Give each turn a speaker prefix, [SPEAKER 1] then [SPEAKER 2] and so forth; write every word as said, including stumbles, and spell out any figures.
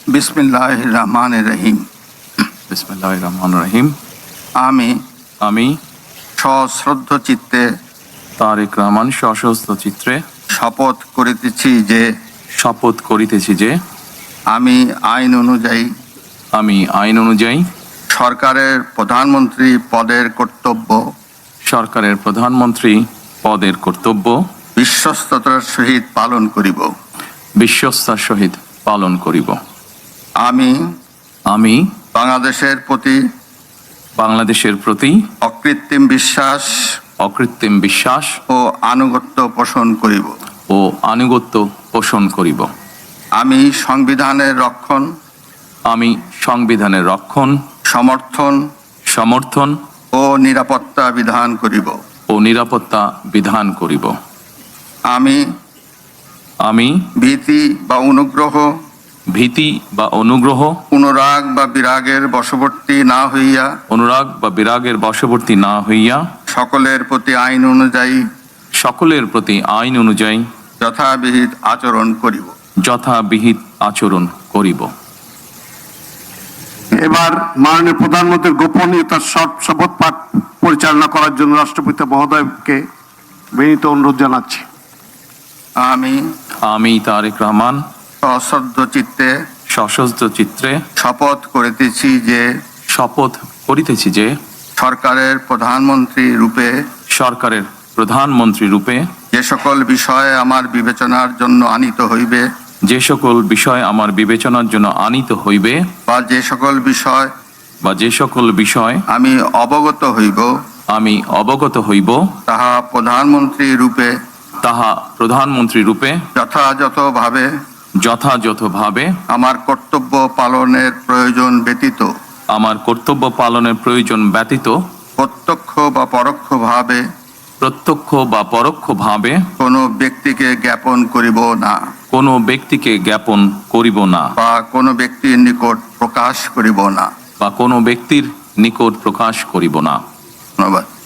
[SPEAKER 1] বিসমিল্লাহির রহমানির রহিম।
[SPEAKER 2] বিসমিল্লাহির রহমানির রহিম।
[SPEAKER 1] আমি
[SPEAKER 2] আমি
[SPEAKER 1] সশ্রদ্ধ চিত্তে
[SPEAKER 2] তারেক রহমান সশস্ত্র চিত্রে
[SPEAKER 1] শপথ করিতেছি যে
[SPEAKER 2] শপথ করিতেছি যে
[SPEAKER 1] আমি আইন অনুযায়ী
[SPEAKER 2] আমি আইন অনুযায়ী
[SPEAKER 1] সরকারের প্রধানমন্ত্রী পদের কর্তব্য
[SPEAKER 2] সরকারের প্রধানমন্ত্রী পদের কর্তব্য
[SPEAKER 1] বিশ্বস্ততার সহিত পালন করিব।
[SPEAKER 2] বিশ্বস্তার সহিত পালন করিব।
[SPEAKER 1] আমি
[SPEAKER 2] আমি
[SPEAKER 1] বাংলাদেশের প্রতি
[SPEAKER 2] বাংলাদেশের প্রতি
[SPEAKER 1] অকৃত্রিম বিশ্বাস
[SPEAKER 2] অকৃত্রিম বিশ্বাস
[SPEAKER 1] ও আনুগত্য পোষণ করিব।
[SPEAKER 2] ও আনুগত্য পোষণ করিব।
[SPEAKER 1] আমি সংবিধানের রক্ষণ
[SPEAKER 2] আমি সংবিধানের রক্ষণ
[SPEAKER 1] সমর্থন
[SPEAKER 2] সমর্থন
[SPEAKER 1] ও নিরাপত্তা বিধান করিব।
[SPEAKER 2] ও নিরাপত্তা বিধান করিব।
[SPEAKER 1] আমি
[SPEAKER 2] আমি
[SPEAKER 1] ভীতি বা অনুগ্রহ
[SPEAKER 2] ভীতি বা অনুগ্রহ
[SPEAKER 1] অনুরাগ বা বিরাগের বশবর্তী না হইয়া
[SPEAKER 2] অনুরাগ বা বিরাগের বশবর্তী না হইয়া
[SPEAKER 1] সকলের প্রতি আইন অনুযায়ী
[SPEAKER 2] সকলের প্রতি আইন অনুযায়ী
[SPEAKER 1] যথাবিহিত আচরণ করিব।
[SPEAKER 2] যথাবিহিত আচরণ করিব।
[SPEAKER 3] এবার মাননীয় প্রধানমন্ত্রীর গোপনীয়তার শপথ পাঠ পরিচালনা করার জন্য রাষ্ট্রপতি মহোদয়কে বিনীত অনুরোধ জানাচ্ছি।
[SPEAKER 1] আমি
[SPEAKER 2] আমি তারেক রহমান
[SPEAKER 1] সশ্রদ্ধ চিত্তে
[SPEAKER 2] সশস্ত্র চিত্রে
[SPEAKER 1] শপথ করিতেছি যে
[SPEAKER 2] শপথ করিতেছি যে
[SPEAKER 1] সরকারের প্রধানমন্ত্রী রূপে
[SPEAKER 2] সরকারের প্রধানমন্ত্রী রূপে
[SPEAKER 1] যে সকল বিষয়ে আমার বিবেচনার জন্য আনিত হইবে
[SPEAKER 2] যে সকল বিষয় আমার বিবেচনার জন্য আনিত হইবে
[SPEAKER 1] বা যে সকল বিষয়
[SPEAKER 2] বা যে সকল বিষয়
[SPEAKER 1] আমি অবগত হইব
[SPEAKER 2] আমি অবগত হইব
[SPEAKER 1] তাহা প্রধানমন্ত্রী রূপে
[SPEAKER 2] তাহা প্রধানমন্ত্রী রূপে
[SPEAKER 1] যথাযথভাবে
[SPEAKER 2] যথাযথভাবে
[SPEAKER 1] আমার কর্তব্য পালনের প্রয়োজন ব্যতীত
[SPEAKER 2] আমার কর্তব্য পালনের প্রয়োজন ব্যতীত
[SPEAKER 1] প্রত্যক্ষ বা পরোক্ষভাবে
[SPEAKER 2] প্রত্যক্ষ বা পরোক্ষভাবে
[SPEAKER 1] কোনো ব্যক্তিকে জ্ঞাপন করিব না
[SPEAKER 2] কোনো ব্যক্তিকে জ্ঞাপন করিব না
[SPEAKER 1] বা কোনো ব্যক্তির নিকট প্রকাশ করিব না।
[SPEAKER 2] বা কোনো ব্যক্তির নিকট প্রকাশ করিব না।
[SPEAKER 1] ধন্যবাদ।